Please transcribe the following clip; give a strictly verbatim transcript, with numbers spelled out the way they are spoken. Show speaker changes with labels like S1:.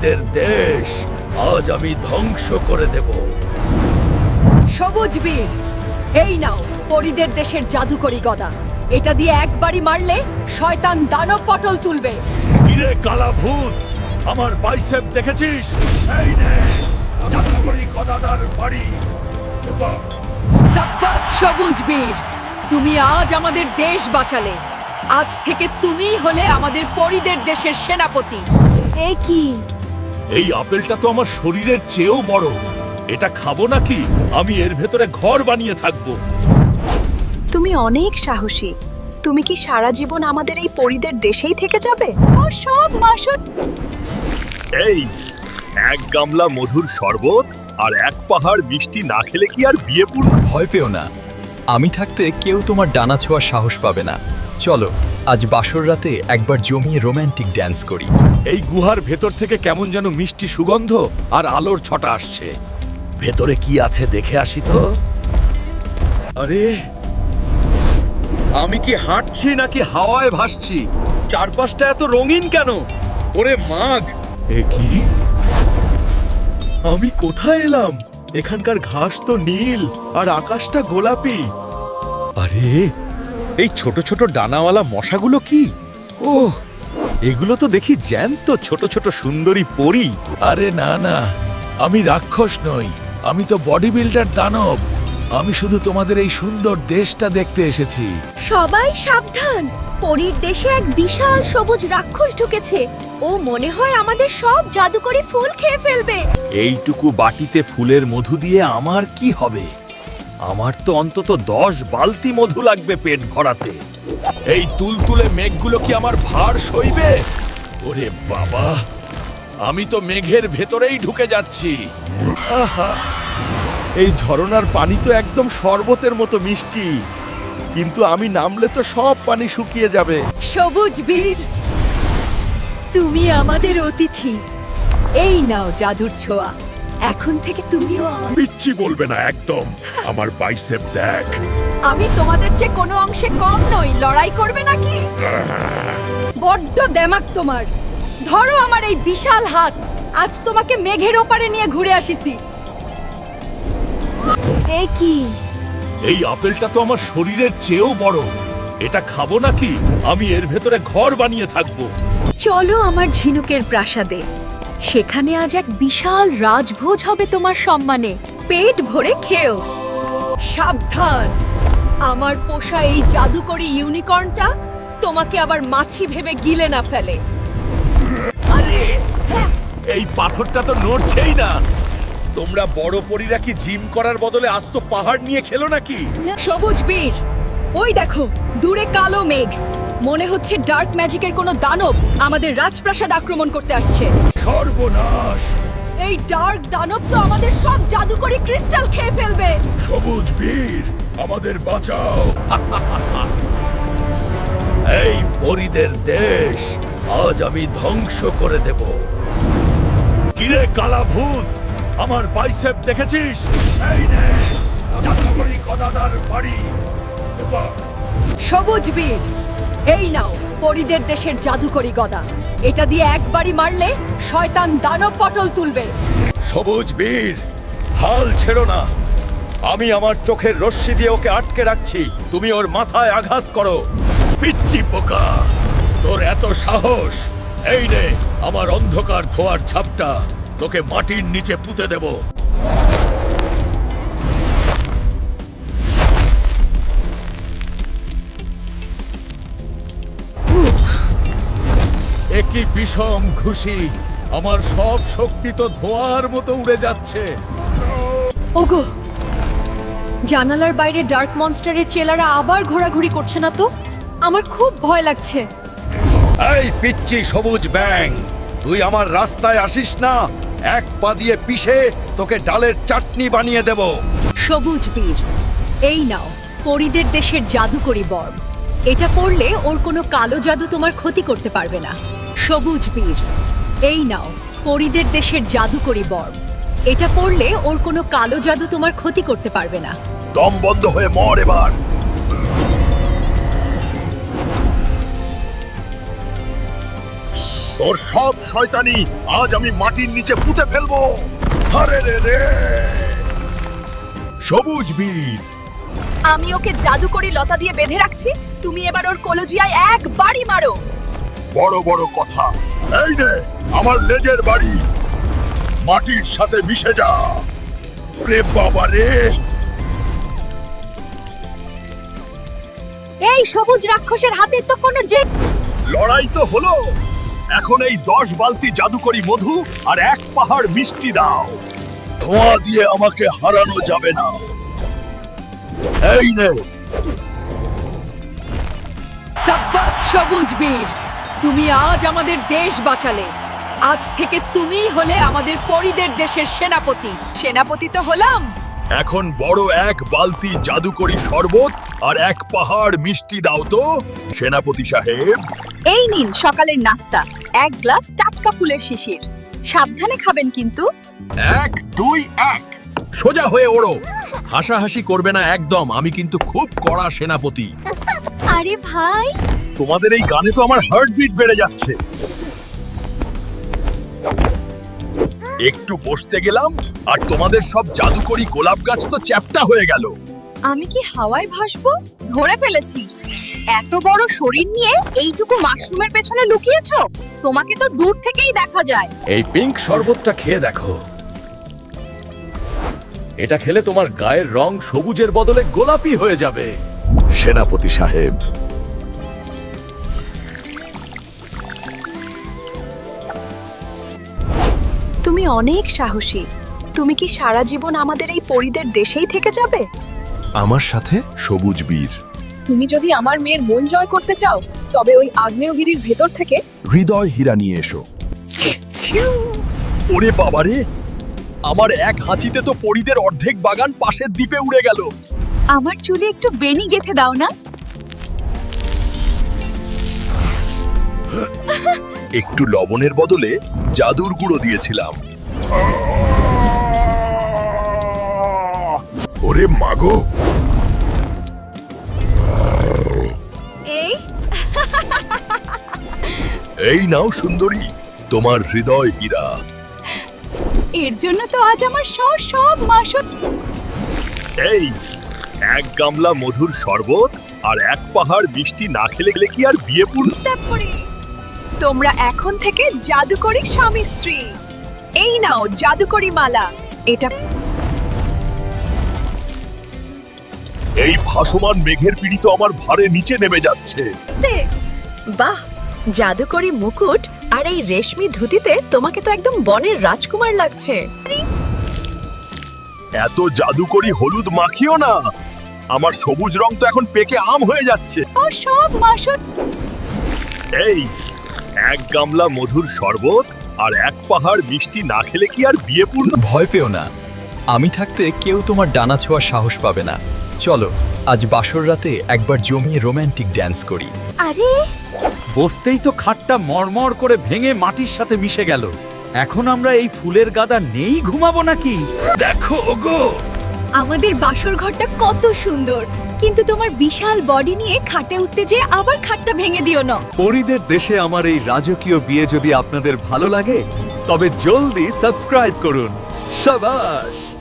S1: পরিদের দেশ আজ আমি ধ্বংস করে দেব।
S2: সবুজ বীর, এই নাও পরিদের দেশের জাদুকরি গদা। এটা দিয়ে একবারই মারলে শয়তান দানব পটল তুলবে।
S1: কিরে কালা ভূত, আমার বাইসেপ দেখেছিস? এই নে জাদুকরি গদাদার বাড়ি।
S2: সাব্বাস সবুজ বীর, তুমি আজ আমাদের দেশ বাঁচালে। আজ থেকে তুমিই হলে আমাদের পরিদের দেশের সেনাপতি। এ কি?
S1: এই আপেলটা তো আমার শরীরের চেয়েও বড়। এটা খাবো নাকি? আমি এর ভেতরে ঘর বানিয়ে থাকবো।
S3: তুমি অনেক সাহসী। তুমি কি সারা জীবন আমাদের এই পরিদের দেশেই থেকে যাবে? ও সব মাসুদ।
S1: এই এক গামলা মধুর শরবত আর এক পাহাড় মিষ্টি না খেলে কি আর বিয়ে পূর্ণ?
S4: ভয় পেও না, আমি থাকতে কেউ তোমার ডানা ছোঁয়ার সাহস পাবে না। চলো আজ বাসর রাতে একবার জমিয়ে রোমান্টিক ড্যান্স করি।
S1: এই গুহার ভেতর থেকে কেমন যেন মিষ্টি সুগন্ধ আর আলোর ছটা আসছে। ভেতরে কি আছে দেখে আসি তো। আরে আমি কি হাঁটছি নাকি হাওয়ায় ভাসছি? চারপাশটা এত রঙিন কেন? ওরে মাগ, এ কি? আমি কোথায় এলাম? এখানকার ঘাস তো নীল আর আকাশটা গোলাপি। আরে এই ছোট ছোট ডানাওয়ালা মশাগুলো কি? ওহ, এগুলো তো দেখি জ্যান্ত ছোট ছোট সুন্দরী পরী। আরে না না, আমি রাক্ষস নই, আমি তো বডি বিল্ডার দানব। আমি শুধু তোমাদের এই সুন্দর দেশটা দেখতে এসেছি।
S2: সবাই সাবধান, পরীর দেশে এক বিশাল সবুজ রাক্ষস ঢুকেছে। ও মনে হয় আমাদের সব জাদুকরি ফুল খেয়ে ফেলবে।
S1: এইটুকু বাটিতে ফুলের মধু দিয়ে আমার কি হবে? আমার তো অন্তত দশ বালতি মধু লাগবে পেট ভরাতে। এই তুলতুলে মেঘগুলো কি আমার ভার সইবে? ওরে বাবা, আমি তো মেঘের ভেতরেই ঢুকে যাচ্ছি। আহা, এই ঝরনার পানি তো একদম শরবতের মতো মিষ্টি, কিন্তু আমি নামলে তো সব পানি শুকিয়ে যাবে।
S2: সবুজ বীর, তুমি আমাদের অতিথি। এই নাও জাদুর ছোঁয়া। এখন থেকে তুমিও আমার।
S1: পিচ্ছি বলবে না একদম। আমার বাইসেপ দেখ।
S2: আমি তোমাদের চেয়ে কোনো অংশে কম নই। লড়াই করবে নাকি? বড্ড দেমাক তোমার। ধরো আমার এই বিশাল হাত। আজ তোমাকে মেঘের ওপারে নিয়ে ঘুরে আসিছি। এ কি?
S1: এই আপেলটা তো আমার শরীরের চেয়েও বড়। এটা খাবো নাকি? আমি এর ভেতরে ঘর বানিয়ে থাকবো।
S2: চলো আমার ঝিনুকের প্রাসাদে। সেখানে আজ এক বিশাল রাজভোজ হবে তোমার সম্মানে। পেট ভরে খেও। সাবধান, আমার পোষা এই জাদুকরি ইউনিকর্নটা তোমাকে আবার মাছি ভেবে গিলে না ফেলে।
S1: আরে এই পাথরটা তো নড়ছেই না। তোমরা বড় পরীরা কি জিম করার বদলে আস্ত পাহাড় নিয়ে খেলো নাকি?
S2: সবুজ বীর, ওই দেখো দূরে কালো মেঘ। মনে হচ্ছে ডার্ক ম্যাজিকের কোনো দানব আমাদের রাজপ্রাসাদ আক্রমণ করতে আসছে।
S1: সর্বনাশ!
S2: এই ডার্ক দানব তো আমাদের সব জাদুকরি ক্রিস্টাল খেয়ে ফেলবে।
S1: সবুজ বীর, আমাদের বাঁচাও। এই পরীদের দেশ আজ আমি ধ্বংস করে দেব। কিরে কালা ভূত, আমার বাইসেপ দেখেছিস? এই নে জাদুকরি গদাদার বাড়ি।
S2: সবুজ বীর, এই নাও পরিদের দেশের জাদুকরি গদা। এটা দিয়ে একবারই মারলে শয়তান দানব পটল তুলবে।
S1: সবুজ বীর, হাল ছেড়ো না। আমি আমার চোখের রশ্মি দিয়ে ওকে আটকে রাখছি। তুমি ওর মাথায় আঘাত করো। পিচ্চি পোকা, তোর এত সাহস! এই নে আমার অন্ধকার ধোয়ার ঝাপটা। তোকে মাটির নিচে পুঁতে দেব। একই বিষম খুশি। আমার সব শক্তি তো ধোঁয়ার মতো উড়ে যাচ্ছে।
S2: ওগো, জানালার বাইরে ডার্ক মনস্টারের চেলারা আবার ঘোরাঘুরি করছে না তো? আমার খুব ভয় লাগছে।
S1: এই পিচ্চি সবুজ ব্যাং, তুই আমার রাস্তায় আসিস না। এক পা দিয়ে পিষে তোকে ডালের চাটনি বানিয়ে দেব।
S2: সবুজ বীর, এই নাও পরিদের দেশের জাদুকরি বর্ম। এটা পড়লে ওর কোনো কালো জাদু তোমার ক্ষতি করতে পারবে না। সবুজ বীর, এই নাও পরিদের দেশের জাদুকরি বর্ম। এটা পড়লে ওর কোনো কালো জাদু তোমার ক্ষতি করতে পারবে না।
S1: দম বন্ধ হয়ে মর এবার। তোর সব শয়তানি আজ আমি মাটির নিচে পুঁতে ফেলবো। আরে রে রে সবুজ বীর,
S3: আমি ওকে জাদুকরি লতা দিয়ে বেঁধে রাখছি, তুমি এবার ওর কলজিয়ায় এক বাড়ি মারো।
S1: বড় বড় কথা। এই নে আমার লেজের বাড়ি, মাটির সাথে মিশে যা। রে বাবা রে,
S2: এই সবুজ রাক্ষসের হাতে তো কোনো যে
S1: লড়াই তো হলো, এখন এই দশ বালতি জাদুকরি মধু আর এক পাহাড় মিষ্টি দাও। ধোঁয়া দিয়ে আমাকে হারানো যাবে না। এই নে।
S2: সাব্বাস সবুজ বীর, তুমি আজ আমাদের দেশ বাঁচালে। আজ থেকে তুমিই হলে আমাদের পরিদের দেশের সেনাপতি।
S3: সেনাপতি তো হলাম।
S1: এখন বড় এক বালতি জাদুকরি শরবত আর এক পাহাড় মিষ্টি দাও তো সেনাপতি সাহেব।
S3: এই নিন সকালের নাস্তা, এক গ্লাস টাটকা ফুলের শিশির। সাবধানে খাবেন কিন্তু।
S1: এক দুই এক, সোজা হয়ে ওড়ো। হাসাহাসি করবে না একদম, আমি কিন্তু খুব কড়া সেনাপতি।
S2: আরে ভাই,
S1: তোমাদের এই গানে তো আমার হার্টবিট বেড়ে যাচ্ছে। একটু বসতে গেলাম আর তোমাদের সব জাদুকরি গোলাপ গাছ তো চ্যাপ্টা হয়ে গেল।
S3: আমি কি হাওয়ায় ভাসবো? ধরে ফেলেছি। এত বড় শরীর নিয়ে এইটুকু মাশরুমের পেছনে লুকিয়েছো? তোমাকে তো দূর থেকেই দেখা যায়।
S1: এই পিঙ্ক শরবতটা খেয়ে দেখো, এটা খেলে তোমার গায়ের রং সবুজের বদলে গোলাপি হয়ে যাবে। সেনাপতি সাহেব,
S3: তুমি অনেক সাহসী। তুমি কি সারা জীবন আমাদের এই পরিদের দেশেই থেকে যাবে?
S1: আমার সাথে সবুজ বীর।
S3: তুমি যদি আমার মেয়ের মন জয় করতে চাও, তবে ওই আগ্নেয়গিরির ভেতর থেকে
S1: হৃদয় হীরা নিয়ে এসো। ওরে বাবারে, আমার এক হাঁচিতে তো পরিদের অর্ধেক বাগান পাশের দ্বীপে উড়ে গেল।
S3: আমার চুলে একটু বেনি গেথে দাও না।
S1: একটু লবণের বদলে জাদুর গুঁড়ো দিয়েছিলাম। ওরে মাগো,
S2: এই
S1: এই নাও সুন্দরী, তোমার হৃদয় হীরা।
S3: এর জন্য তো আজ আমার সব সব মাসত।
S1: এই এক গামলা মধুর শরবত আর এক পাহাড় মিষ্টি না খেলে গেলে কি আর বিয়ে পূর্ণ?
S3: তোমরা এখন থেকে জাদুকরি স্বামী স্ত্রী। এই নাও জাদুকরি মালা। এটা
S1: এই ভাসমান মেঘের পিড়ি তো আমার ভারে নিচে নেমে যাচ্ছে।
S3: বাহ, জাদুকরি মুকুট আর এই রেশমি ধুতিতে তোমাকে তো একদম বনের রাজকুমার লাগছে।
S1: এত জাদুকরি হলুদ মাখিও না, আমার সবুজ রং তো এখন পেকে আম হয়ে যাচ্ছে।
S3: ও সব মাসত।
S1: এই এক গামলা মধুর শরবত আর এক পাহাড় মিষ্টি না খেলে কি আর বিয়ে পূর্ণ?
S4: ভয় পেও না, আমি থাকতে কেউ তোমার ডানা ছোঁয়ার সাহস পাবে না। চলো আজ বাসর রাতে একবার জমিয়ে রোমান্টিক ড্যান্স করি।
S2: আরে
S1: বসতেই তো খাটটা মরমর করে ভেঙে মাটির সাথে মিশে গেল। এখন আমরা এই ফুলের গাদা নেই ঘুমাবো নাকি? দেখো ওগো,
S2: আমাদের বাসর ঘরটা কত সুন্দর, কিন্তু তোমার বিশাল বডি নিয়ে খাটে উঠতে যে আবার খাটটা ভেঙে দিও না।
S1: পরিদের দেশে আমার এই রাজকীয় বিয়ে যদি আপনাদের ভালো লাগে তবে জলদি সাবস্ক্রাইব করুন। শাবাশ।